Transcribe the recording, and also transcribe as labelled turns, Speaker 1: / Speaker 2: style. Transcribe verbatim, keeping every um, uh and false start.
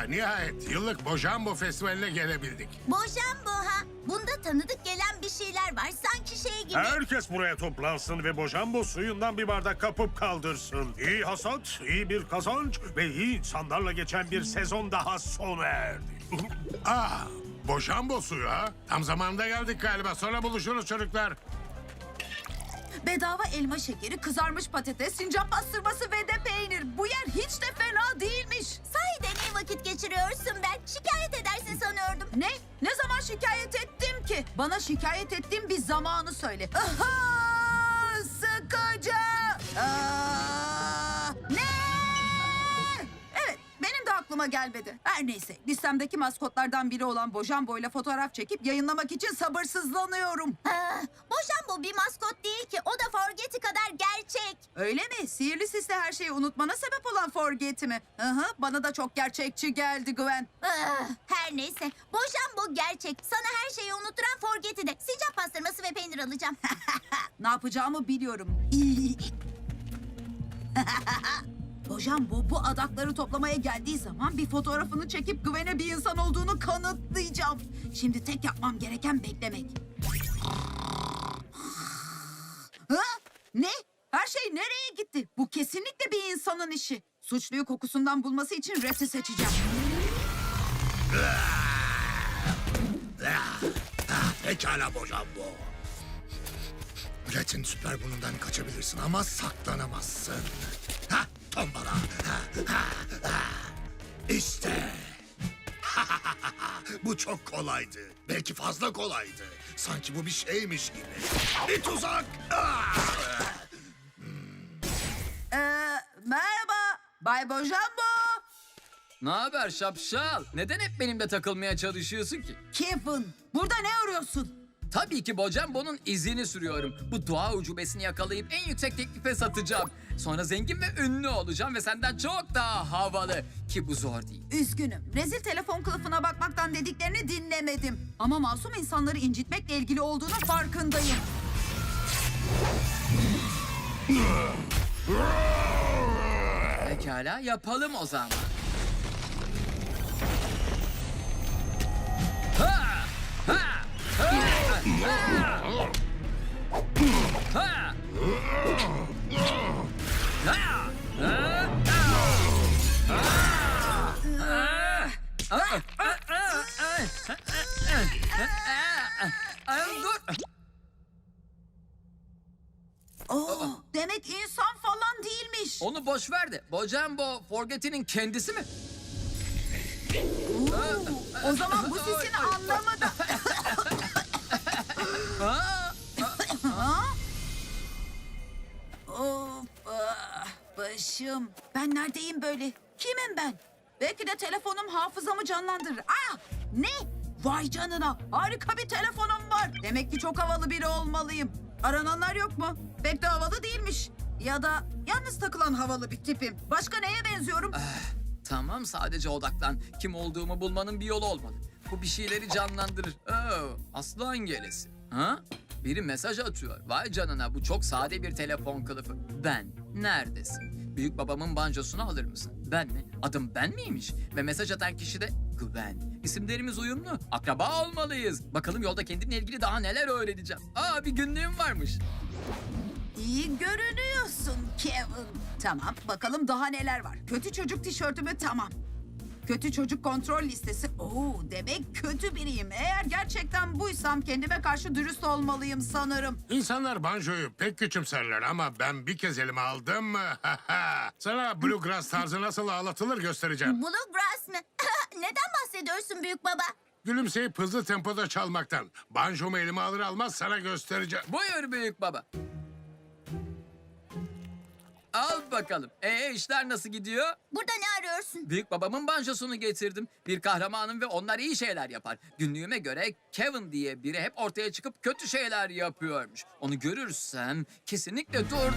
Speaker 1: nihayet yıllık Bojambo Festivali'ne gelebildik.
Speaker 2: Bojambo ha. Bunda tanıdık gelen bir şeyler var. Sanki şey gibi.
Speaker 3: Herkes buraya toplansın ve Bojambo suyundan bir bardak kapıp kaldırsın. İyi hasat, iyi bir kazanç ve iyi insanlarla geçen bir sezon daha sona erdi.
Speaker 1: Ah, Bojambo suyu ha. Tam zamanında geldik galiba. Sonra buluşuruz çocuklar.
Speaker 4: Bedava elma şekeri, kızarmış patates, sincap pastırması ve de peynir. Bu yer hiç de fena değilmiş.
Speaker 2: Sahiden iyi vakit geçiriyorsun ben. Şikayet edersin sanıyordum.
Speaker 4: Ne? Ne zaman şikayet ettim ki? Bana şikayet ettiğim bir zamanı söyle. Aha! Sıkıcı! Aa! Ne? Evet, benim de aklıma gelmedi. Her neyse, listemdeki maskotlardan biri olan Bojambo ile fotoğraf çekip yayınlamak için sabırsızlanıyorum.
Speaker 2: Ah, Bojambo bir maskot değil ki. O da Forget'i kadar gerçek.
Speaker 4: Öyle mi? Sihirli sisle her şeyi unutmana sebep olan Forget'i mi? Hı hı, bana da çok gerçekçi geldi Gwen.
Speaker 2: Ah, her neyse. Bojambo gerçek. Sana her şeyi unutturan Forget'i de. Sincap pastırması ve peynir alacağım.
Speaker 4: Ne yapacağımı biliyorum. Bojambo bu adakları toplamaya geldiği zaman bir fotoğrafını çekip Gwen'e bir insan olduğunu kanıtlayacağım. Şimdi tek yapmam gereken beklemek. Ha? Ne? Her şey nereye gitti? Bu kesinlikle bir insanın işi. Suçluyu kokusundan bulması için Rex'i seçeceğim.
Speaker 5: Pekala Bojambo. Red'in süper burnundan kaçabilirsin ama saklanamazsın. Ha, tombala. Ha, ha, ha. İşte. Bu çok kolaydı. Belki fazla kolaydı. Sanki bu bir şeymiş gibi. Bir tuzak. Ah!
Speaker 4: Ee, merhaba, Bay Bojambo.
Speaker 6: Ne haber şapşal? Neden hep benimle takılmaya çalışıyorsun ki?
Speaker 4: Kevin, burada ne arıyorsun?
Speaker 6: Tabii ki Bojambo'nun izini sürüyorum. Bu doğa ucubesini yakalayıp en yüksek teklife satacağım. Sonra zengin ve ünlü olacağım ve senden çok daha havalı. Ki bu zor değil.
Speaker 4: Üzgünüm. Rezil telefon kılıfına bakmaktan dediklerini dinlemedim. Ama masum insanları incitmekle ilgili olduğunu farkındayım.
Speaker 6: Pekala yapalım o zaman. Ha! Ha! Ha! Ha! Ha! Dur.
Speaker 4: Oo, demek insan falan değilmiş.
Speaker 6: Onu boş ver de. Bojambo Forget'inin kendisi mi?
Speaker 4: Oo, o zaman bu sesin anlamı da... Ha? Of, ah, başım. Ben neredeyim böyle? Kimim ben? Belki de telefonum hafızamı canlandırır. Ah, ne? Vay canına, harika bir telefonum var. Demek ki çok havalı biri olmalıyım. Arananlar yok mu? Pek de havalı değilmiş. Ya da yalnız takılan havalı bir tipim. Başka neye benziyorum?
Speaker 6: Tamam sadece odaklan. Kim olduğumu bulmanın bir yolu olmalı. Bu bir şeyleri canlandırır. Oo, aslan gelesi. Ha? Biri mesaj atıyor. Vay canına bu çok sade bir telefon kılıfı. Ben. Neredesin? Büyük babamın bancosunu alır mısın? Ben mi? Adım ben miymiş? Ve mesaj atan kişi de Gwen. İsimlerimiz uyumlu. Akraba olmalıyız. Bakalım yolda kendimle ilgili daha neler öğreneceğim. Aa bir günlüğüm varmış.
Speaker 4: İyi görünüyorsun Kevin. Tamam, bakalım daha neler var. Kötü çocuk tişörtümü tamam. Kötü çocuk kontrol listesi. Oo, demek kötü biriyim. Eğer gerçekten buysam kendime karşı dürüst olmalıyım sanırım.
Speaker 1: İnsanlar banjoyu pek küçümserler ama ben bir kez elime aldım mı? Sana bluegrass tarzı nasıl ağlatılır göstereceğim.
Speaker 2: Bluegrass mı? Neden bahsediyorsun büyük baba?
Speaker 1: Gülümseyip hızlı tempoda çalmaktan. Banjomu elime alır almaz sana göstereceğim.
Speaker 6: Buyur büyük baba. Al bakalım. Ee işler nasıl gidiyor?
Speaker 2: Burada ne arıyorsun?
Speaker 6: Büyük babamın banjosunu getirdim. Bir kahramanım ve onlar iyi şeyler yapar. Günlüğüme göre Kevin diye biri hep ortaya çıkıp kötü şeyler yapıyormuş. Onu görürsem kesinlikle dur.